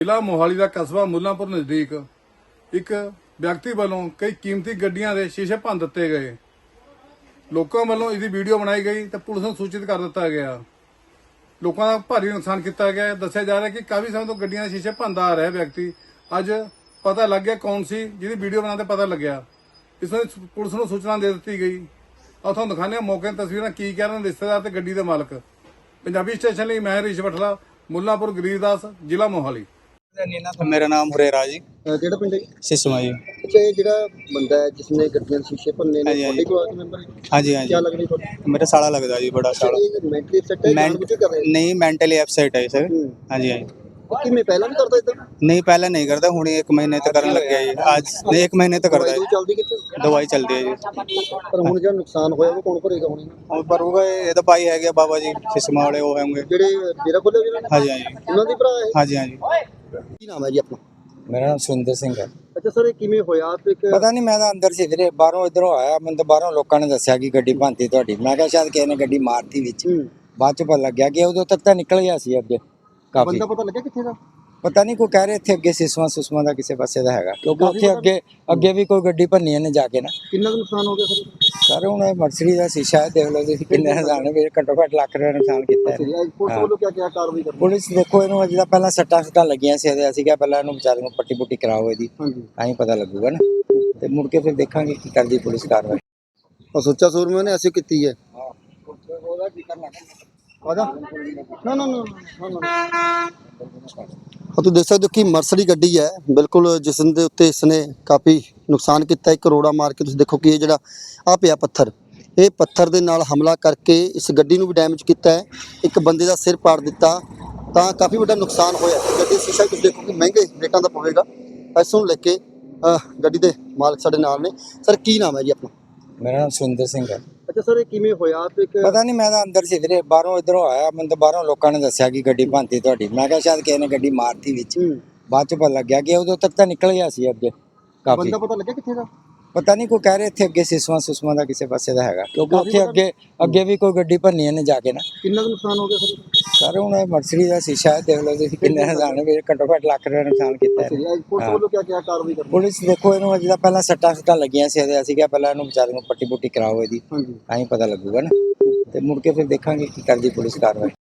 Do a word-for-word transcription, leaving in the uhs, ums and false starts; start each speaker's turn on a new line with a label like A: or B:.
A: ਜ਼ਿਲ੍ਹਾ ਮੋਹਾਲੀ ਦਾ ਕਸਬਾ ਮੁੱਲਾਂਪੁਰ ਨਜ਼ਦੀਕ ਇੱਕ ਵਿਅਕਤੀ ਵੱਲੋਂ ਕਈ ਕੀਮਤੀ ਗੱਡੀਆਂ ਦੇ ਸ਼ੀਸ਼ੇ ਭੰਨ ਦਿੱਤੇ ਗਏ। ਲੋਕਾਂ ਵੱਲੋਂ ਇਹਦੀ ਵੀਡੀਓ ਬਣਾਈ ਗਈ ਤੇ ਪੁਲਿਸ ਨੂੰ ਸੂਚਿਤ ਕਰ ਦਿੱਤਾ ਗਿਆ। ਲੋਕਾਂ ਦਾ ਭਾਰੀ ਨੁਕਸਾਨ ਕੀਤਾ ਗਿਆ। ਦੱਸਿਆ ਜਾ ਰਿਹਾ ਕਿ ਕਾਫੀ ਸਮੇਂ ਤੋਂ ਗੱਡੀਆਂ ਦੇ ਸ਼ੀਸ਼ੇ ਭੰਨਦਾ ਆ ਰਿਹਾ ਵਿਅਕਤੀ ਅੱਜ ਪਤਾ ਲੱਗ ਗਿਆ ਕੌਣ ਸੀ ਜਿਹਦੀ ਵੀਡੀਓ ਬਣਾਉਂਦੇ ਪਤਾ ਲੱਗਿਆ। ਇਸ ਨੂੰ ਪੁਲਿਸ ਨੂੰ ਸੂਚਨਾ ਦੇ ਦਿੱਤੀ ਗਈ। ਆ ਤੁਹਾਨੂੰ ਦਿਖਾਉਂਦੇ ਹਾਂ ਮੌਕੇ ਦੀਆਂ ਤਸਵੀਰਾਂ ਕੀ ਕਹਿ ਰਹੇ ਨੇ ਰਿਸ਼ਤੇਦਾਰ ਤੇ ਗੱਡੀ ਦੇ ਮਾਲਕ। ਪੰਜਾਬੀ ਸਟੇਸ਼ਨ ਲਈ ਮੈਂ ਹਰੀਸ਼ ਬਠਲਾ, ਮੁੱਲਾਂਪੁਰ ਗਰੀਬਦਾਸ, ਜ਼ਿਲ੍ਹਾ ਮੋਹਾਲੀ।
B: मेरा नाम हुरेरा जी,
C: ਜਿਹੜਾ ਪਿੰਡ ਹੈ ਜੀ?
B: सिसमा जी।
C: ਅੱਛਾ, ਇਹ ਜਿਹੜਾ ਬੰਦਾ ਹੈ ਜਿਸਨੇ ਗੱਡੀਆਂ ਦੇ ਸ਼ੀਸ਼ੇ ਭੰਨੇ ਨੇ
B: ਹਾਂਜੀ,
C: ਤੁਹਾਡੇ ਕੋਲ ਆ ਕੇ ਮੈਂਬਰ
B: हाँ जी हाँ
C: ਕੀ
B: जी
C: ਲੱਗਦਾ ਤੁਹਾਨੂੰ?
B: मेरा साला लगता जी, बड़ा साला।
C: ਇਹ ਮੈਂਟਲੀ ਅਪਸੈਟ ਹੈ ਜਾਣ ਬੁੱਝ ਕੇ ਕਰ ਰਹੇ
B: नहीं मेंटली अपसेट है सर।
C: ਹੂੰ।
B: हाँ जी हाँ जी।
C: ਉਹ ਕਿਵੇਂ ਪਹਿਲਾਂ ਨਹੀਂ ਕਰਦਾ ਇਦਾਂ?
B: नहीं पहले नहीं करता, हूँ एक महीने तक करने लग गया जी। आज नहीं एक महीने तक करता
C: ਦਵਾਈ
B: है,
C: ਚੱਲਦੀ ਕਿੱਥੇ?
B: दवाई चलती है जी।
C: ਪਰ ਹੁਣ ਜਿਹੜਾ ਨੁਕਸਾਨ ਹੋਇਆ ਉਹ ਕੌਣ ਭਰੇਗਾ ਹੁਣ?
B: और पर होगा ये तो भाई है गया बाबा जी सिसमा वाले वो होंगे।
C: ਜਿਹੜੇ ਡੇਰਾ ਖੋਲਿਆ ਜਿਹਨਾਂ ਨੇ
B: हाँ जी हाँ जी
C: ਉਹਨਾਂ ਦੀ ਭਰਾ ਹੈ?
B: हाँ जी हाँ जी।
C: ਕੀ ਨਾਮ ਹੈ ਜੀ ਆਪਣਾ?
D: ਮੇਰਾ ਨਾਮ ਸੁਰਿੰਦਰ ਸਿੰਘ ਹੈ।
C: ਅੱਛਾ ਸਰ, ਇਹ ਕਿਵੇਂ ਹੋਇਆ ਤੇ ਇੱਕ
D: ਪਤਾ ਨਹੀਂ, ਮੈਂ ਤਾਂ ਅੰਦਰ ਸੀ ਵੀਰੇ, ਬਾਹਰੋਂ ਇਧਰੋਂ ਆਇਆ। ਮੈਨੂੰ ਤਾਂ ਬਾਹਰੋਂ ਲੋਕਾਂ ਨੇ ਦੱਸਿਆ ਕਿ ਗੱਡੀ ਭੰਨਤੀ ਤੁਹਾਡੀ। ਮੈਂ ਕਿਹਾ ਸ਼ਾਇਦ ਕਿਸੇ ਨੇ ਗੱਡੀ ਮਾਰਤੀ ਵਿੱਚ।
C: ਹੂੰ।
D: ਬਾਅਦ ਚ ਪਤਾ ਲੱਗਿਆ ਕਿ ਉਦੋਂ ਤੱਕ ਤਾਂ ਨਿਕਲ ਗਿਆ ਸੀ ਅੱਗੇ ਕਾਫੀ।
C: ਬੰਦਾ ਪਤਾ ਲੱਗਿਆ ਕਿੱਥੇ ਦਾ?
D: ਪਤਾ ਨਹੀਂ, ਕੋਈ ਕਹਿ ਰਹੇ ਇੱਥੇ ਅੱਗੇ ਸਿਸਵਾ ਸੁਸਮਾ ਦਾ ਕਿਸੇ ਪਾਸੇ ਦਾ ਹੈਗਾ, ਕਿਉਂਕਿ
C: ਕਾਫੀ
D: ਉੱਥੇ
C: ਪਤਾ
D: ਅੱਗੇ ਅੱਗੇ ਵੀ ਕੋਈ ਗੱਡੀ ਭੰਨੀ ਇਹਨੇ ਜਾ ਕੇ ਨਾ।
C: ਕਿੰਨਾ ਕੁ ਨੁਕਸਾਨ ਹੋ ਗਿਆ ਸਰ?
D: ਸਰ ਹੁਣ ਇਹ ਮਰਸਰੀ ਦਾ ਸ਼ੀਸ਼ਾ ਹੈ, ਦੇਖ ਲਓ ਤੁਸੀਂ ਕਿੰਨੇ ਨੁਕਸਾਨ ਹੈ। ਘੱਟੋ ਘੱਟ ਲੱਖ ਰੁਪਏ ਨੁਕਸਾਨ ਕੀਤਾ ਹੈ।
C: ਪੁਲਿਸ ਵੱਲੋਂ ਕੀ ਕੀ ਕਾਰਵਾਈ ਕਰਨੀ?
D: ਪੁਲਿਸ ਦੇਖੋ, ਇਹਨੂੰ ਅਜੇ ਤਾਂ ਪਹਿਲਾਂ ਸੱਟਾਂ ਸੁੱਟਾਂ ਲੱਗੀਆਂ ਸੀ ਇਹਦੇ। ਅਸੀਂ ਕਿਹਾ ਪਹਿਲਾਂ ਇਹਨੂੰ ਵਿਚਾਰੇ ਨੂੰ ਪੱਟੀ ਪੁੱਟੀ ਕਰਾਓ ਇਹਦੀ,
C: ਹਾਂਜੀ।
D: ਤਾਂ ਹੀ ਪਤਾ ਲੱਗੂਗਾ ਨਾ। ਤੇ ਮੁੜ ਕੇ ਫਿਰ ਦੇਖਾਂਗੇ ਕੀ ਕਰਦੀ ਪੁਲਿਸ ਕਾਰਵਾਈ।
C: ਉਹ ਸੋਚਾ ਸੂਰਮੇ ਨੇ ਐਸੀ ਕੀਤੀ ਹੈ। ਆਜਾ ਨਾ ਨਾ ਨਾ ਨਾ ਹਾਂ, ਤੁਸੀਂ ਦੇਖ ਸਕਦੇ ਹੋ ਕਿ ਮਰਸਡੀ ਗੱਡੀ ਹੈ ਬਿਲਕੁਲ, ਜਿਸ ਦੇ ਉੱਤੇ ਇਸਨੇ ਕਾਫੀ ਨੁਕਸਾਨ ਕੀਤਾ। ਇੱਕ ਕਰੋੜਾ ਮਾਰ ਕੇ ਤੁਸੀਂ ਦੇਖੋ ਕਿ ਇਹ ਜਿਹੜਾ ਆ ਪਿਆ ਪੱਥਰ, ਇਹ ਪੱਥਰ ਦੇ ਨਾਲ ਹਮਲਾ ਕਰਕੇ ਇਸ ਗੱਡੀ ਨੂੰ ਵੀ ਡੈਮੇਜ ਕੀਤਾ ਹੈ। ਇੱਕ ਬੰਦੇ ਦਾ ਸਿਰ ਪਾੜ ਦਿੱਤਾ, ਤਾਂ ਕਾਫੀ ਵੱਡਾ ਨੁਕਸਾਨ ਹੋਇਆ। ਗੱਡੀ ਦਾ ਸ਼ੀਸ਼ਾ ਤੁਸੀਂ ਦੇਖੋ ਕਿ ਮਹਿੰਗੇ ਰੇਟਾਂ ਦਾ ਪਵੇਗਾ। ਇਸ ਨੂੰ ਲੈ ਕੇ ਗੱਡੀ ਦੇ ਮਾਲਕ ਸਾਡੇ ਨਾਲ ਨੇ। ਸਰ ਕੀ ਨਾਮ ਹੈ ਜੀ ਆਪਣਾ?
D: ਮੇਰਾ ਨਾਮ ਸੁਰਿੰਦਰ ਸਿੰਘ ਹੈ।
C: ਅੱਛਾ ਸਰ, ਇਹ ਕਿਵੇਂ ਹੋਇਆ ਤੇ ਇੱਕ
D: ਪਤਾ ਨਹੀਂ, ਮੈਂ ਤਾਂ ਅੰਦਰ ਸੀ ਵੀਰੇ, ਬਾਹਰੋਂ ਇਧਰੋਂ ਆਇਆ। ਮੈਨੂੰ ਤਾਂ ਬਾਹਰੋਂ ਲੋਕਾਂ ਨੇ ਦੱਸਿਆ ਕਿ ਗੱਡੀ ਭੰਨਤੀ ਤੁਹਾਡੀ। ਮੈਂ ਕਿਹਾ ਸ਼ਾਇਦ ਕਿਸੇ ਨੇ ਗੱਡੀ ਮਾਰਤੀ ਵਿੱਚ। ਬਾਅਦ ਚ ਪਤਾ ਲੱਗਿਆ ਕਿ ਉਦੋਂ ਤੱਕ ਤਾਂ ਨਿਕਲ ਗਿਆ ਸੀ ਅੱਗੇ ਕਾਫੀ।
C: ਬੰਦਾ ਪਤਾ ਲੱਗਿਆ ਕਿੱਥੇ ਦਾ?
D: ਪਤਾ ਨਹੀਂ, ਕੋਈ ਕਹਿ ਰਹੇ ਇੱਥੇ ਅੱਗੇ ਸਿਸਵਾ ਸੁਸਮਾ ਦਾ ਕਿਸੇ ਪਾਸੇ ਦਾ ਹੈਗਾ, ਕਿਉਂਕਿ ਉੱਥੇ ਅੱਗੇ ਅੱਗੇ ਵੀ ਕੋਈ ਗੱਡੀ ਭੰਨੀ ਇਹਨੇ ਜਾ ਕੇ ਨਾ।
C: ਕਿੰਨਾ ਕੁ ਨੁਕਸਾਨ ਹੋ ਗਿਆ ਸਰ?
D: ਸਰ ਹੁਣ ਇਹ ਮਰਸਰੀ ਦਾ ਸ਼ੀਸ਼ਾ ਹੈ, ਦੇਖ ਲਓ ਤੁਸੀਂ ਕਿੰਨੇ ਨੁਕਸਾਨ ਹੈ। ਘੱਟੋ ਘੱਟ ਲੱਖ ਰੁਪਏ ਨੁਕਸਾਨ ਕੀਤਾ ਹੈ।
C: ਪੁਲਿਸ ਵੱਲੋਂ ਕੀ ਕੀ ਕਾਰਵਾਈ ਕਰਨੀ?
D: ਪੁਲਿਸ ਦੇਖੋ, ਇਹਨੂੰ ਅਜੇ ਤਾਂ ਪਹਿਲਾਂ ਸੱਟਾਂ ਸੁੱਟਾਂ ਲੱਗੀਆਂ ਸੀ ਇਹਦੇ। ਅਸੀਂ ਕਿਹਾ ਪਹਿਲਾਂ ਇਹਨੂੰ ਵਿਚਾਰੇ ਨੂੰ ਪੱਟੀ ਪੁੱਟੀ ਕਰਾਓ ਇਹਦੀ,
C: ਹਾਂਜੀ।
D: ਤਾਂ ਹੀ ਪਤਾ ਲੱਗੂਗਾ ਨਾ। ਤੇ ਮੁੜ ਕੇ ਫਿਰ ਦੇਖਾਂਗੇ ਕੀ ਕਰਦੀ ਪੁਲਿਸ ਕਾਰਵਾਈ।